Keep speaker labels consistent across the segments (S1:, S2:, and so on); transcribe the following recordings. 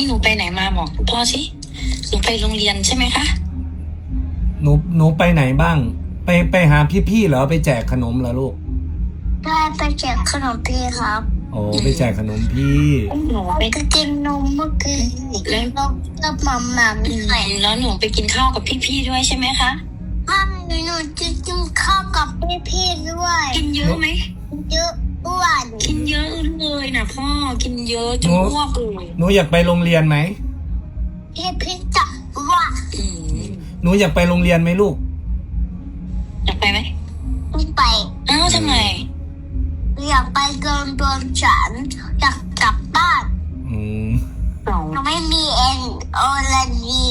S1: หนูไปไหนมาบอกพ่อสิหนูไปโรงเรียนใช่ไหมคะ
S2: หนูไปไหนบ้างไปหาพี่ๆเหรอไปแจกขนมเหรอลูก
S3: ไปแจกขนมพี่ครับ
S2: โอ้ไปแจกขนมพี่
S1: หนูไป
S3: ก็กินนมเมื่อกี้แล้วก็มัมมัม
S1: ไหนแล้วหนูไปกินข้าวกับพี่ๆด้วยใช่ไหมคะ
S3: หนูจะกินข้าวกับพี่ด้วย
S1: กินเยอะไหม
S3: เยอะอ้วน
S1: กินเยอะเลยนะพ่อกินเยอะจนอ้วกเลย
S2: หนูอยากไปโรงเรียนไหม
S3: พี่จะว่า
S2: หนูอยากไปโรงเรียนไหมลูก
S1: อยากไปไหม
S3: ไม่ไป
S1: อ้าวทำไม
S3: อยากไปเกินตัวฉันอยากกลับบ้านไม่มีเอ็นโอลาดี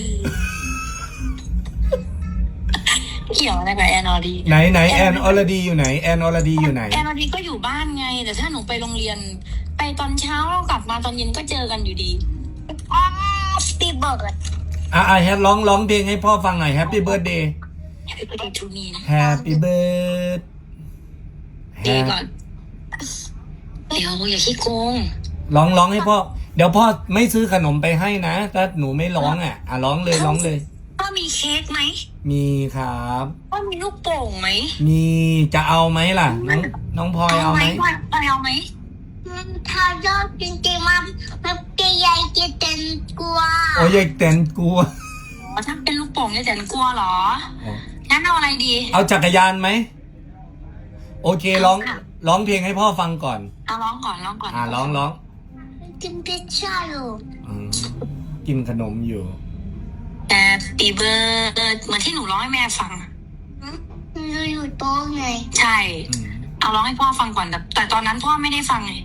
S1: เกี่ยวอะไรกับแอนอดี
S2: ไหนแอนออลดีอยู่ไหนแอนออลดีอยู่ไหน
S1: แอนอดีก็อยู่บ้านไงแต่ถ้าหนูไปโรงเรียนไปตอนเช้าแล้วกลับมาตอนเย็นก็เจอกันอยู่ดี
S3: Happy birthday
S2: แฮปร้องเพลงให้พ่อฟังหน่อย Happy birthday
S1: Happy birthday to me นะ
S2: Happy birthday
S1: ดีก่อนเดี๋ยวอย่าขี้โกง
S2: ร้องให้พ่อเดี๋ยวพ่อไม่ซื้อขนมไปให้นะถ้าหนูไม่ร้องร้องเลย
S1: พ่อมีเค้กไหม
S2: มีครับ
S1: พ่อมีลูกโป่งไหม
S2: มีจะเอาไหมล่ะน้องพลอยเอาไหม
S1: เอาไหม
S3: ถ้ายอดจริงๆมันจะใหญ่จะเต็นกลัว
S2: โอ้ยใหญ่เต็นกลัว
S1: ถ้าเป็นลูกโป่งเนี่ยเต็นกลัวเหรองั้นเอาอะไรดี
S2: เอาจักรยานไหมโอเคร้องเพลงให้พ่อฟังก่อน
S1: เอาร้องก่อนร้
S2: อง
S3: กินพิซซ่าอยู่
S2: กินขนมอยู่
S1: Happy birthday เหมือนที่หนูร้องให้แม่ฟัง
S3: อยู่โต๊ะไง
S1: ใช่เอาร้องให้พ่อฟังก่อนแต่ตอนนั้นพ่อไม่ได้ฟังไง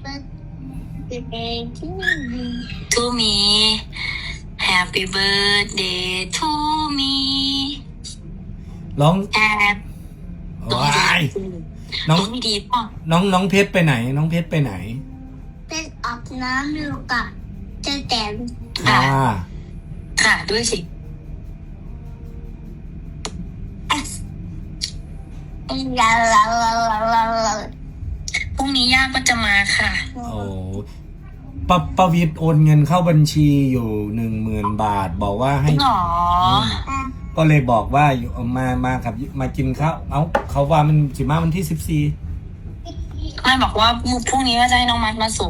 S1: To me Happy birthday to me
S2: ร้อง
S1: น้องดีป่ะ
S2: น้องเพชรไปไหนน้องเพชรไปไหน
S3: เป็นอาบน้ำอยู่กับเจ๊แตน
S1: ค่ะด้วยสิพรุ่งนี้ย่าก็จะมาค่ะ
S2: โอ้ประวิตรโอนเงินเข้าบัญชีอยู่ 10,000 บาทบอกว่าให้ก็เลยบอกว่าอยู่มาครับมากินข้าวเขาว่ามันสิมาวันที่14
S1: ไม่บอกว่าพรุ่งนี้ว่าจะให้น้องมัดมาส่ง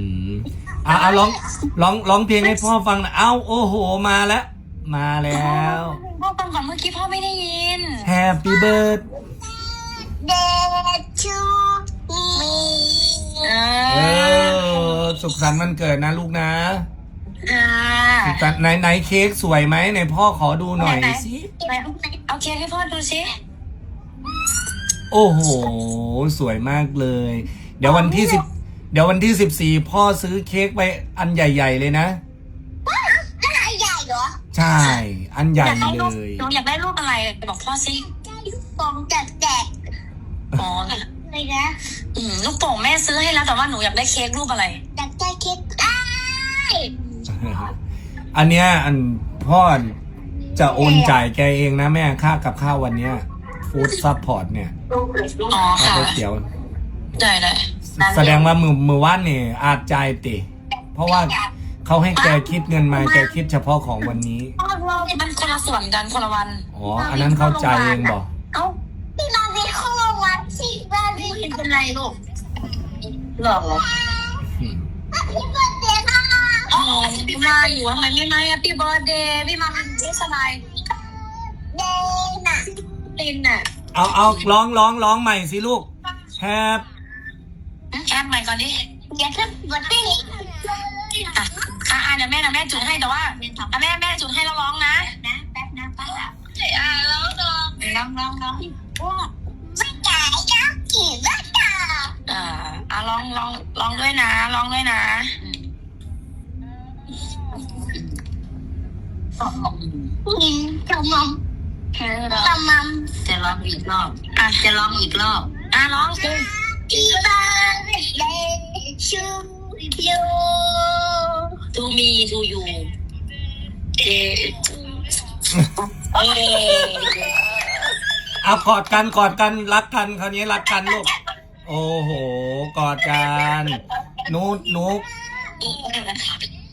S2: ร้องเพลงให้พ่อฟังนะโอ้โหมาแล้ว
S1: พ่อฟังก่อนเมื่อกี้พ่อไม่ได้ยิน
S2: Happy birthday
S3: to me
S2: สุขสันต์วันเกิดนะลูกนะไหนเค้กสวยไหมไหนพ่อขอดูหน่อยสิ
S1: เอาเค้กให้พ่อดูสิ
S2: โอ้โหสวยมากเลยเดี๋ยววันที่14พ่อซื้อเค้กไปอันใหญ่ๆเลยนะ
S3: อันใหญ่เหรอ
S2: ใช่อันใหญ่เลย
S1: หนูอยากได้รูปอะไรบอกพ่อสิ
S3: ลูกโป่งแตกอะไรนะ
S1: ลูกโป่งแม่ซื้อให้แล้วแต่ว่าหนูอยากได้เค้กรูปอะไร
S3: อยากได้เค้ก
S2: อันเนี้ยอันพ่อจะโอนจ่ายแกเองนะแม่ค่ากับข้าววันเนี้ยฟู้ดซัพพอร์ตเนี่ย
S1: ค่ะ
S2: เดี๋ยว
S1: ได้
S2: แสดงว่ามือว่านเนี่ยอาจจ่ายติเพราะว่าเขาให้แกคิดเงินมาแกคิดเฉพาะของวันนี้
S1: มันคนละส่วนกันคนละวัน
S2: อันนั้นเขาจ่ายเองบอก
S3: พี่มาเป็นคนละวันสิมา
S1: เป็นไรลูกหรอ
S3: พี่เบิร์ดเดย์ค่ะ
S1: พี่มาอยู่ทำไมไม่มาพี่เบิร์ดเดย์พี่มาไม่สบาย
S3: เดย์น่ะ
S1: ตินน่ะ
S2: เอาร้องใหม่สิลูกแฮป
S1: ใหม่ก่อนดิ
S3: อย่าเพิ่งเบิร์ดเดย์
S1: เดี๋ยวแม่จุดให้แต่ว่าแม่จุดให้แล้วร้องนะ
S3: แป๊บนะป้า
S1: ร้อง
S3: ไม่จ่ายยักษ์กี่ไม่จ่าย
S1: ร้องด้วยนะ
S3: จะร้
S1: องอีกรอบร้องสิ
S3: ที่บ้านเลยชูยู
S1: to me to you
S2: กอดกันรักกันคราวนี้รักกันลูกโอ้โหกอดกันนุ๊ก